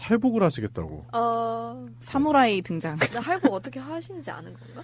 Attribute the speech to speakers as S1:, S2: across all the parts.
S1: 할복을 하시겠다고.
S2: 사무라이 등장.
S3: 나 할복 어떻게 하시는지 아는 건가?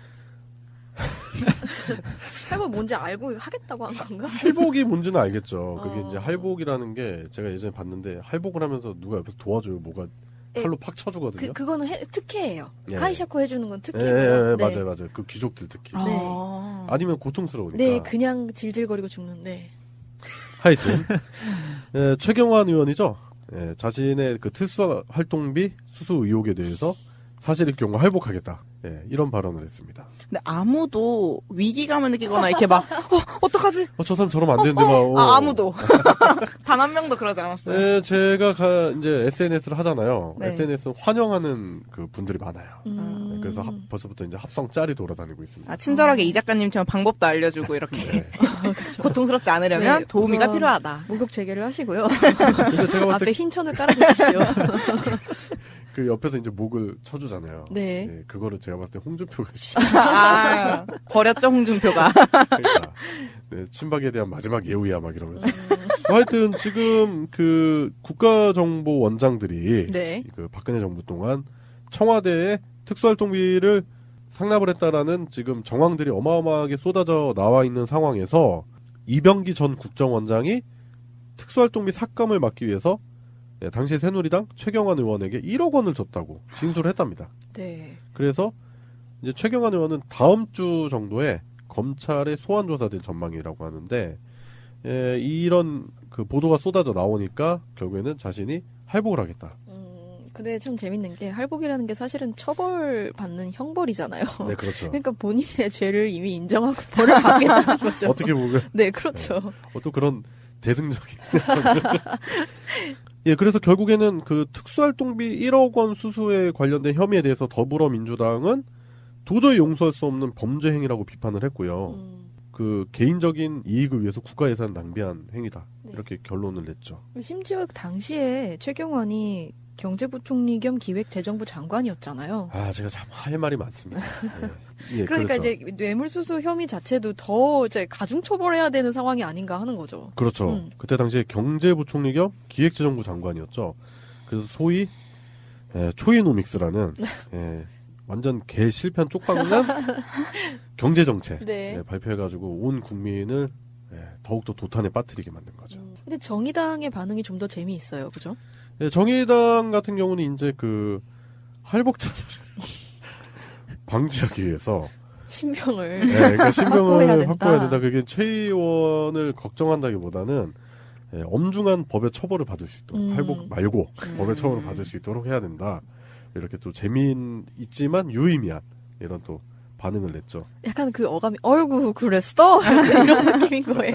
S3: 할복 뭔지 알고 하겠다고 한 건가?
S1: 할복이 뭔지는 알겠죠. 그게 이제 할복이라는 게 제가 예전에 봤는데 할복을 하면서 누가 옆에서 도와줘요. 뭐가 칼로 팍 쳐주거든요.
S3: 그거는 특혜예요.
S1: 예.
S3: 카이샤코 해주는 건 특혜예요. 네.
S1: 맞아요. 그 귀족들 특히.
S3: 네.
S1: 아니면 고통스러우니까.
S3: 네, 그냥 질질거리고 죽는데.
S1: 하여튼 최경환 의원이죠. 자신의 그 특수 활동비 수수 의혹에 대해서 사실일 경우 할복하겠다. 이런 발언을 했습니다.
S2: 근데 아무도 위기감을 느끼거나 이렇게 막 어떡하지?
S1: 저 사람 저러면 안 되는데 막.
S2: 아무도 단 한 명도 그러지 않았어요.
S1: 제가 이제 SNS를 하잖아요.
S2: 네.
S1: SNS는 환영하는 그 분들이 많아요. 그래서 벌써부터 이제 합성 짤이 돌아다니고 있습니다.
S2: 친절하게 이 작가님처럼 방법도 알려주고 이렇게 고통스럽지 않으려면 도우미가 필요하다.
S3: 목욕 재개를 하시고요.
S1: 근데 제가 봤을
S3: 앞에
S1: 때
S3: 흰 천을 깔아주십시오.
S1: 그 옆에서 이제 목을 쳐주잖아요.
S3: 네.
S1: 그거를 제가 봤을 때 홍준표가
S2: 버렸죠 홍준표가.
S1: 그러니까, 친박에 대한 마지막 예우야 막 이러면서. 하여튼 지금 그 국가정보원장들이
S3: 네.
S1: 그 박근혜 정부 동안 청와대에 특수활동비를 상납을 했다라는 지금 정황들이 어마어마하게 쏟아져 나와 있는 상황에서 이병기 전 국정원장이 특수활동비 삭감을 막기 위해서 당시 새누리당 최경환 의원에게 1억 원을 줬다고 진술을 했답니다.
S3: 네.
S1: 그래서 이제 최경환 의원은 다음 주 정도에 검찰에 소환 조사될 전망이라고 하는데 이런 그 보도가 쏟아져 나오니까 결국에는 자신이 할복을 하겠다.
S3: 근데 참 재밌는 게 할복이라는 게 사실은 처벌받는 형벌이잖아요.
S1: 네, 그렇죠.
S3: 그러니까 본인의 죄를 이미 인정하고 벌을 받겠다는 거죠.
S1: 어떻게 보면.
S3: 네, 그렇죠.
S1: 또 그런 대승적인. 그래서 결국에는 그 특수활동비 1억 원 수수에 관련된 혐의에 대해서 더불어민주당은 도저히 용서할 수 없는 범죄 행위라고 비판을 했고요. 그 개인적인 이익을 위해서 국가 예산을 낭비한 행위다.
S3: 네.
S1: 이렇게 결론을 냈죠.
S3: 심지어 당시에 최경환이 경제부총리 겸 기획재정부 장관이었잖아요.
S1: 제가 참 할 말이 많습니다.
S3: 그러니까
S1: 그렇죠.
S3: 이제 뇌물수수 혐의 자체도 더 이제 가중처벌해야 되는 상황이 아닌가 하는 거죠.
S1: 그렇죠. 그때 당시에 경제부총리 겸 기획재정부 그래서 소위 초이노믹스라는 완전 개 실패한 쪽방난 경제정책
S3: 네.
S1: 발표해가지고 온 국민을 더욱더 도탄에 빠뜨리게 만든 거죠.
S3: 근데 정의당의 반응이 좀 더 재미있어요. 그죠?
S1: 정의당 같은 경우는 이제 그 할복자들을 방지하기 위해서
S3: 신병을
S1: 그러니까 신병을
S3: 확보해야
S1: 된다. 그게 최 의원을 걱정한다기보다는 엄중한 법의 처벌을 받을 수 있도록 할복 말고 법의 처벌을 받을 수 있도록 해야 된다. 이렇게 또 재미있지만 유의미한 이런 또 반응을 냈죠.
S3: 약간 그 어감이 어이구 그랬어? 이런 느낌인 거예요.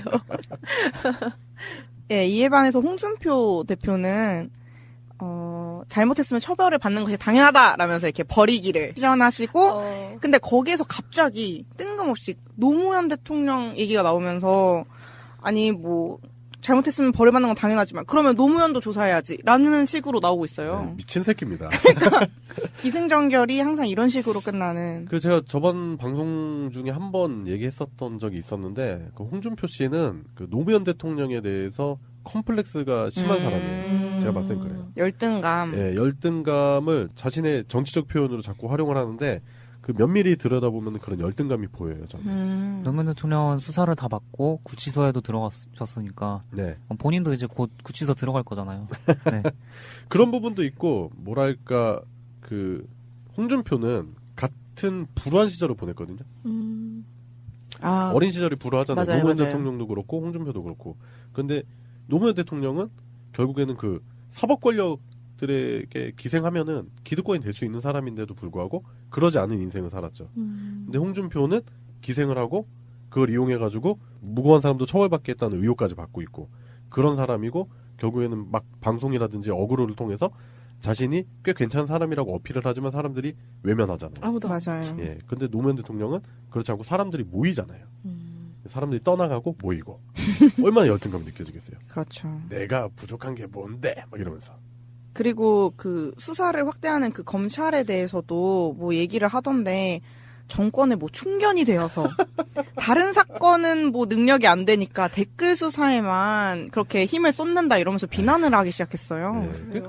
S2: 이에 반해서 홍준표 대표는 잘못했으면 처벌을 받는 것이 당연하다라면서 이렇게 버리기를 시전하시고 근데 거기에서 갑자기 뜬금없이 노무현 대통령 얘기가 나오면서 아니 뭐 잘못했으면 벌을 받는 건 당연하지만 그러면 노무현도 조사해야지 라는 식으로 나오고 있어요.
S1: 미친 새끼입니다.
S2: 그러니까 기승전결이 항상 이런 식으로 끝나는.
S1: 제가 저번 방송 중에 한 번 얘기했었던 적이 있었는데 그 홍준표 씨는 그 노무현 대통령에 대해서 컴플렉스가 심한 사람이에요. 제가 봤을 땐 그래요.
S2: 열등감.
S1: 열등감을 자신의 정치적 표현으로 자꾸 활용을 하는데 그 면밀히 들여다보면 그런 열등감이 보여요. 저는.
S4: 노무현 대통령은 수사를 다 받고 구치소에도 들어갔었으니까
S1: 네.
S4: 본인도 이제 곧 구치소 들어갈 거잖아요. 네.
S1: 그런 부분도 있고 뭐랄까 그 홍준표는 같은 불우한 시절을 보냈거든요. 어린 시절이 불우하잖아요.
S2: 맞아요,
S1: 노무현
S2: 맞아요.
S1: 대통령도 그렇고 홍준표도 그렇고. 근데 노무현 대통령은 결국에는 그 사법 권력들에게 기생하면은 기득권이 될 수 있는 사람인데도 불구하고 그러지 않은 인생을 살았죠. 근데 홍준표는 기생을 하고 그걸 이용해가지고 무고한 사람도 처벌받겠다는 의혹까지 받고 있고 그런 사람이고 결국에는 막 방송이라든지 어그로를 통해서 자신이 꽤 괜찮은 사람이라고 어필을 하지만 사람들이 외면하잖아요.
S3: 아무도
S2: 맞아요.
S1: 근데 노무현 대통령은 그렇지 않고 사람들이 모이잖아요. 사람들이 떠나가고 모이고 얼마나 열등감이 느껴지겠어요.
S2: 그렇죠.
S1: 내가 부족한 게 뭔데? 막 이러면서.
S2: 그리고 그 수사를 확대하는 그 검찰에 대해서도 뭐 얘기를 하던데 정권에 뭐 충견이 되어서 다른 사건은 뭐 능력이 안 되니까 댓글 수사에만 그렇게 힘을 쏟는다 이러면서 비난을 하기 시작했어요.
S1: 그러니까 뭐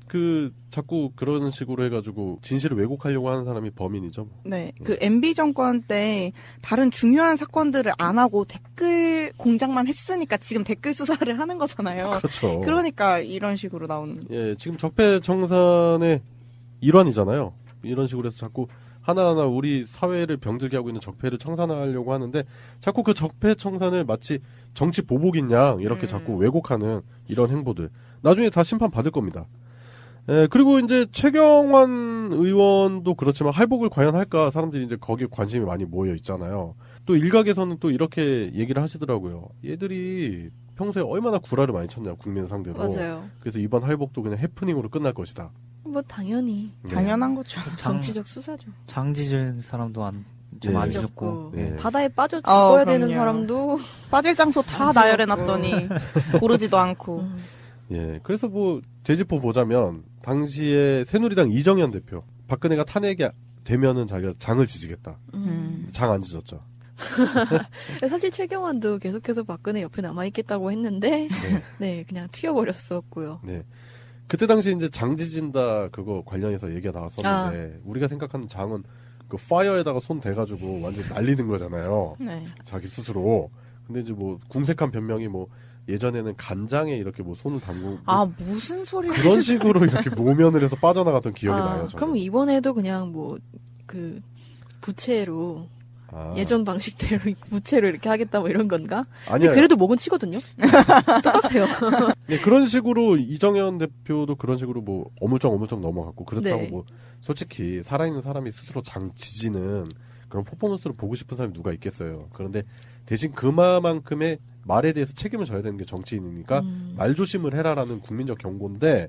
S1: 자꾸 그런 식으로 해가지고 진실을 왜곡하려고 하는 사람이 범인이죠.
S2: 네, 그 MB 정권 때 다른 중요한 사건들을 안 하고 댓글 공작만 했으니까 지금 댓글 수사를 하는 거잖아요.
S1: 그렇죠.
S2: 그러니까 이런 식으로 나오는.
S1: 예, 지금 적폐청산의 일환이잖아요. 이런 식으로 해서 자꾸 하나하나 우리 사회를 병들게 하고 있는 적폐를 청산하려고 하는데 자꾸 그 적폐청산을 마치 정치 보복인 양 이렇게 자꾸 왜곡하는 이런 행보들. 나중에 다 심판 받을 겁니다. 예, 그리고 이제 최경환 의원도 그렇지만 할복을 과연 할까 사람들이 이제 거기에 관심이 많이 모여 있잖아요. 또 일각에서는 또 이렇게 얘기를 하시더라고요. 얘들이 평소에 얼마나 구라를 많이 쳤냐 국민 상대로.
S3: 맞아요.
S1: 그래서 이번 할복도 그냥 해프닝으로 끝날 것이다.
S3: 뭐 당연히
S1: 네.
S2: 당연한 거죠.
S3: 정치적 수사죠.
S4: 장지질 사람도 좀
S1: 네.
S4: 안
S3: 찢었고
S4: 찢었고.
S1: 네.
S3: 바다에 빠져 죽어야 되는
S2: 그럼요.
S3: 사람도
S2: 빠질 장소 다
S3: 안
S2: 나열해놨더니 고르지도 않고.
S1: 예, 그래서 뭐 되짚어 보자면 당시에 새누리당 이정현 대표 박근혜가 탄핵이 되면은 자기가 장을 지지겠다. 장 안 지졌죠.
S3: 사실 최경환도 계속해서 박근혜 옆에 남아있겠다고 했는데 네 그냥 튀어버렸었고요.
S1: 네. 그때 당시 이제 장 지진다 그거 관련해서 얘기가 나왔었는데 우리가 생각하는 장은 그 파이어에다가 손 대가지고 완전 날리는 거잖아요.
S2: 네.
S1: 자기 스스로. 근데 이제 뭐 궁색한 변명이 뭐 예전에는 간장에 이렇게 뭐 손을 담고
S2: 아, 무슨 소리를.
S1: 그런 식으로 이렇게 모면을 해서 빠져나갔던 기억이 나요. 저는.
S3: 그럼 이번에도 그냥 뭐 그 부채로
S1: 아.
S3: 예전 방식대로 부채로 이렇게 하겠다 뭐 이런 건가?
S1: 아니야.
S3: 근데 그래도 목은 치거든요. 똑같아요.
S1: 네, 그런 식으로 이정현 대표도 그런 식으로 뭐 어물쩍 넘어갔고 그렇다고
S3: 네.
S1: 뭐 솔직히 살아있는 사람이 스스로 장 지지는 그런 퍼포먼스를 보고 싶은 사람이 누가 있겠어요. 그런데 대신 그만큼의 말에 대해서 책임을 져야 되는 게 정치인이니까 말조심을 해라라는 국민적 경고인데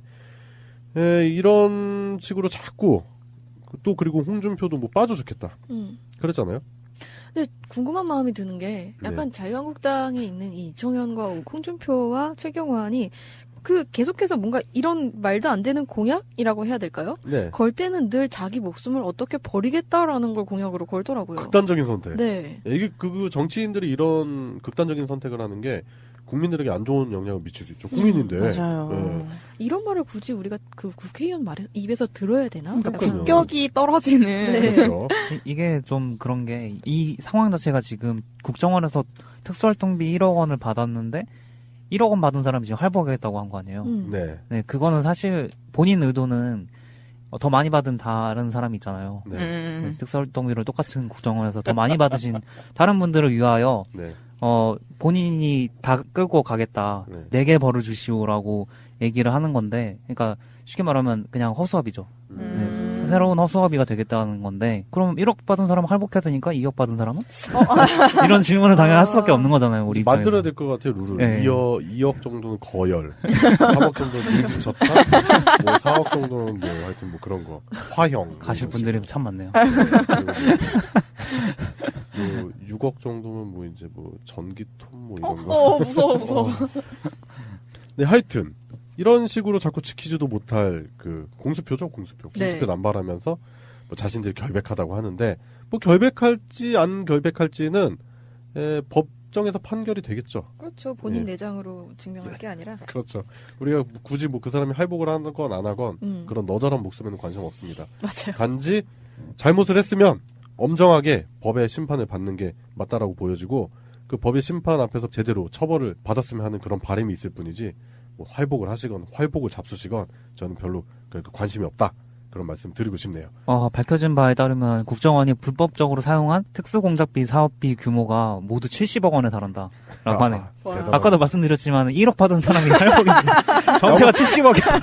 S1: 이런 식으로 자꾸 또 그리고 홍준표도 뭐 빠져 죽겠다 그랬잖아요.
S3: 근데 궁금한 마음이 드는 게 약간 자유한국당에 있는 이 이정현과 홍준표와 최경환이 그 계속해서 뭔가 이런 말도 안 되는 공약이라고 해야 될까요?
S1: 네.
S3: 걸 때는 늘 자기 목숨을 어떻게 버리겠다라는 걸 공약으로 걸더라고요.
S1: 극단적인 선택.
S3: 네.
S1: 이게 그 정치인들이 이런 극단적인 선택을 하는 게 국민들에게 안 좋은 영향을 미칠 수 있죠. 국민인데.
S2: 맞아요.
S1: 네.
S3: 이런 말을 굳이 우리가 그 국회의원 말에 입에서 들어야 되나?
S2: 그러니까
S3: 약간
S2: 국격이 떨어지는.
S3: 네.
S1: 그렇죠.
S4: 이게 좀 그런 게 이 상황 자체가 지금 국정원에서 특수활동비 1억 원을 받았는데 1억 원 받은 사람이 지금 활보하겠다고 한 거 아니에요.
S1: 네.
S4: 네, 그거는 사실 본인 의도는 더 많이 받은 다른 사람이 있잖아요.
S1: 네.
S4: 네, 특수활동비를 똑같은 국정원에서 더 많이 받으신 다른 분들을 위하여
S1: 네.
S4: 본인이 다 끌고 가겠다.
S1: 네.
S4: 4개 벌을 주시오라고 얘기를 하는 건데, 그러니까 쉽게 말하면 그냥 허수아비죠. 네, 새로운 허수아비가 되겠다는 건데, 그럼 1억 받은 사람은 할복해야 되니까 2억 받은 사람은? 이런 질문을 당연히 할 수밖에 없는 거잖아요, 우리 입장에서.
S1: 만들어야 될 것 같아요, 룰을.
S4: 네.
S1: 2억 정도는 거열, 3억 정도는 일지저차, 뭐 4억 정도는 뭐 하여튼 뭐 그런 거. 화형.
S4: 가실 분들이 참 많네요.
S1: 뭐 6억 정도면 뭐 이제 뭐 전기톱 뭐 이런 거.
S2: 무서워.
S1: 네, 하여튼 이런 식으로 자꾸 지키지도 못할 그 공수표죠, 공수표.
S3: 네.
S1: 공수표 남발하면서 뭐 자신들이 결백하다고 하는데 뭐 결백할지 안 결백할지는 법정에서 판결이 되겠죠.
S3: 그렇죠. 본인
S1: 네.
S3: 내장으로 증명할 게 아니라.
S1: 그렇죠. 우리가 굳이 뭐 그 사람이 할복을 하건 안 하건 그런 너저런 목숨에는 관심 없습니다.
S3: 맞아요.
S1: 단지 잘못을 했으면 엄정하게 법의 심판을 받는 게 맞다라고 보여지고 그 법의 심판 앞에서 제대로 처벌을 받았으면 하는 그런 바람이 있을 뿐이지 뭐 활복을 하시건 활복을 잡수시건 저는 별로 관심이 없다. 그런 말씀 드리고 싶네요.
S4: 밝혀진 바에 따르면 국정원이 불법적으로 사용한 특수공작비 사업비 규모가 모두 70억 원에 달한다라고 하네요.
S1: 대단하다.
S4: 아까도 말씀드렸지만 1억 받은 사람이 할복인데 전체가 70억이야.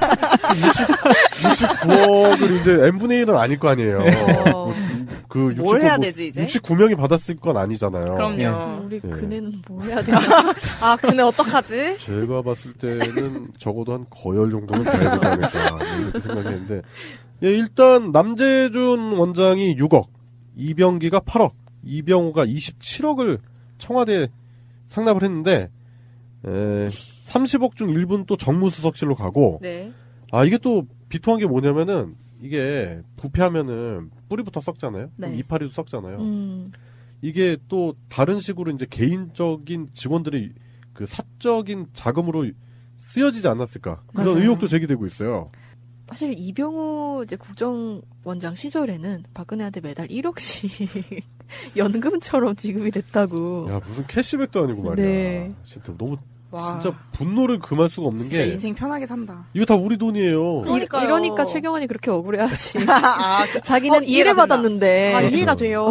S1: 69억을 이제 n분의 1은 아닐 거 아니에요. 그
S2: 뭘 해야 되지, 이제?
S1: 69명이 받았을 건 아니잖아요.
S2: 그럼요.
S3: 우리
S1: 예.
S3: 그네는 뭐 해야 되나?
S2: 아, 근데 어떡하지?
S1: 제가 봤을 때는 적어도 한 거열 정도는 돼야 되지 않을까 이렇게 생각했는데 예, 일단 남재준 원장이 6억, 이병기가 8억, 이병호가 27억을 청와대에 상납을 했는데 30억 중 1분 또 정무수석실로 가고
S3: 네.
S1: 이게 또 비통한 게 뭐냐면은 이게 부패하면은 뿌리부터 썩잖아요.
S2: 네.
S1: 이파리도 썩잖아요. 이게 또 다른 식으로 이제 개인적인 직원들이 그 사적인 자금으로 쓰여지지 않았을까 그런
S2: 맞아요.
S1: 의혹도 제기되고 있어요.
S3: 사실 이병호 이제 국정원장 시절에는 박근혜한테 매달 1억씩 연금처럼 지급이 됐다고.
S1: 야, 무슨 캐시백도 아니고 말이야.
S3: 네.
S1: 진짜 너무
S2: 와.
S1: 진짜 분노를 금할 수가 없는
S2: 진짜
S1: 게
S2: 인생 편하게 산다.
S1: 이거 다 우리 돈이에요.
S2: 그러니까요.
S3: 이러니까 최경환이 그렇게 억울해하지.
S2: 아,
S3: 자기는
S2: 이해가
S3: 일을
S2: 된다.
S3: 받았는데.
S2: 아, 이해가 돼요.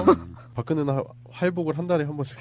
S1: 박근혜는 활복을 한 달에 한 번씩.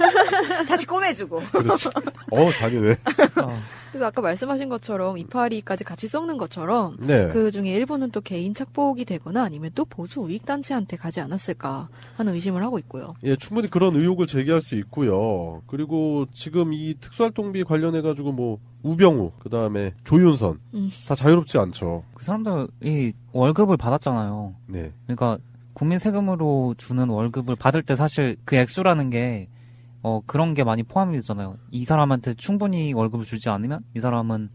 S2: 다시 꼬매주고.
S1: 그렇지. 잔인해.
S3: 그래서 아까 말씀하신 것처럼 이파리까지 같이 썩는 것처럼
S1: 네.
S3: 그 중에 일부는 또 개인 착복이 되거나 아니면 또 보수 우익단체한테 가지 않았을까 하는 의심을 하고 있고요.
S1: 예, 충분히 그런 의혹을 제기할 수 있고요. 그리고 지금 이 특수활동비 관련해가지고 뭐, 우병우, 그 다음에 조윤선, 다 자유롭지 않죠.
S4: 그 사람들이 월급을 받았잖아요.
S1: 네.
S4: 그러니까 국민 세금으로 주는 월급을 받을 때 사실 그 액수라는 게 그런 게 많이 포함이 되잖아요. 이 사람한테 충분히 월급을 주지 않으면 이 사람은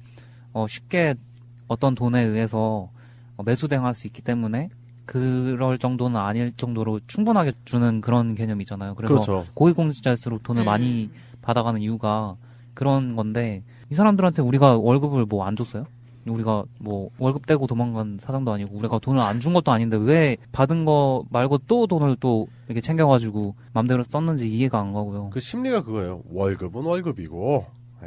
S4: 쉽게 어떤 돈에 의해서 매수대응할 수 있기 때문에 그럴 정도는 아닐 정도로 충분하게 주는 그런 개념이잖아요. 그래서
S1: 그렇죠.
S4: 고위공직자일수록 돈을 많이 받아가는 이유가 그런 건데 이 사람들한테 우리가 월급을 뭐 안 줬어요? 우리가 뭐 월급 떼고 도망간 사장도 아니고 우리가 돈을 안 준 것도 아닌데 왜 받은 거 말고 또 돈을 또 이렇게 챙겨가지고 맘대로 썼는지 이해가 안 가고요.
S1: 그 심리가 그거예요. 월급은 월급이고,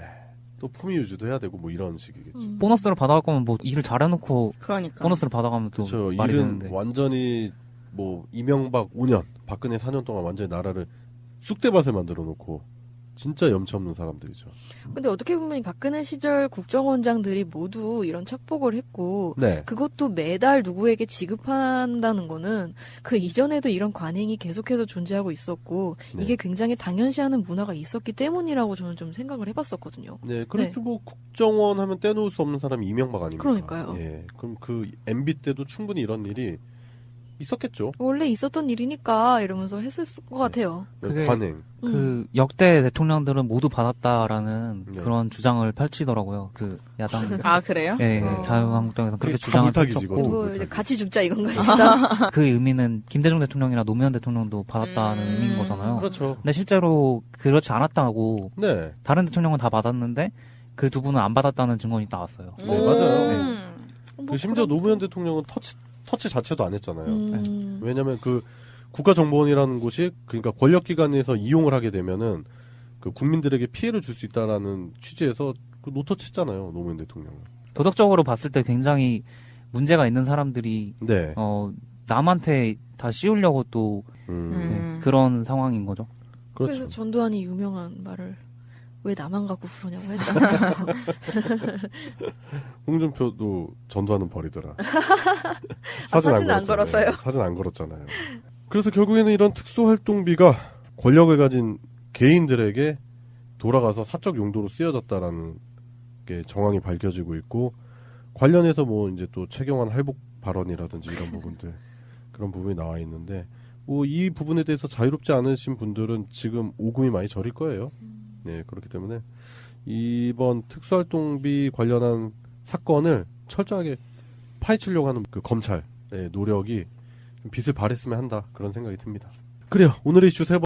S1: 또 품위 유지도 해야 되고 뭐 이런 식이겠지.
S4: 보너스를 받아갈 거면 뭐 일을 잘해놓고
S2: 그러니까.
S4: 보너스를 받아가면 또
S1: 그렇죠.
S4: 말이
S1: 일은
S4: 되는데.
S1: 완전히 뭐 이명박 5년, 박근혜 4년 동안 완전히 나라를 쑥대밭에 만들어 놓고 진짜 염치 없는 사람들이죠.
S3: 근데 어떻게 보면 박근혜 시절 국정원장들이 모두 이런 착복을 했고
S1: 네.
S3: 그것도 매달 누구에게 지급한다는 거는 그 이전에도 이런 관행이 계속해서 존재하고 있었고
S1: 네.
S3: 이게 굉장히 당연시하는 문화가 있었기 때문이라고 저는 좀 생각을 해봤었거든요.
S1: 네, 그렇죠. 뭐 국정원 하면 떼놓을 수 없는 사람이 이명박 아닙니까?
S3: 그러니까요.
S1: 예, 그럼 그 MB 때도 충분히 이런 일이 있었겠죠.
S3: 원래 있었던 일이니까 이러면서 했을 것 같아요.
S4: 그게
S1: 관행.
S4: 그 역대 대통령들은 모두 받았다라는
S1: 네.
S4: 그런 주장을 펼치더라고요. 그 야당.
S2: 아, 그래요?
S4: 예,
S3: 어.
S4: 자유한국당에서 그렇게
S1: 그게 다
S4: 주장을
S1: 물타기지,
S4: 펼쳤고
S3: 뭐
S1: 물타기.
S3: 이제 같이 죽자 이건가 진짜.
S4: 그 의미는 김대중 대통령이나 노무현 대통령도 받았다는 의미인 거잖아요.
S1: 그렇죠.
S4: 근데 실제로 그렇지 않았다고
S1: 네.
S4: 다른 대통령은 다 받았는데 그 두 분은 안 받았다는 증언이 나왔어요.
S1: 네, 맞아요.
S3: 뭐
S1: 그 심지어
S3: 그런
S1: 노무현 대통령은 터치 자체도 안 했잖아요.
S3: 음.
S1: 왜냐면 그 국가정보원이라는 곳이 그러니까 권력기관에서 이용을 하게 되면은 그 국민들에게 피해를 줄 수 있다라는 취지에서 그 노터치 했잖아요. 노무현 대통령은.
S4: 도덕적으로 봤을 때 굉장히 문제가 있는 사람들이
S1: 네.
S4: 남한테 다 씌우려고 또 네, 그런 상황인 거죠.
S1: 그렇죠.
S3: 그래서 전두환이 유명한 말을 왜 나만 갖고 그러냐고 했잖아요.
S1: 홍준표도 전두환은 버리더라.
S3: 사진 안
S1: 걸었잖아요.
S3: 걸었어요?
S1: 사진 안 걸었잖아요. 그래서 결국에는 이런 특수활동비가 권력을 가진 개인들에게 돌아가서 사적 용도로 쓰여졌다라는 게 정황이 밝혀지고 있고 관련해서 뭐 이제 또 최경환 할복 발언이라든지 이런 부분들 그런 부분이 나와 있는데 뭐 이 부분에 대해서 자유롭지 않으신 분들은 지금 오금이 많이 저릴 거예요. 네, 그렇기 때문에 이번 특수활동비 관련한 사건을 철저하게 파헤치려고 하는 그 검찰의 노력이 빛을 발했으면 한다 그런 생각이 듭니다. 그래요. 오늘의 이슈 세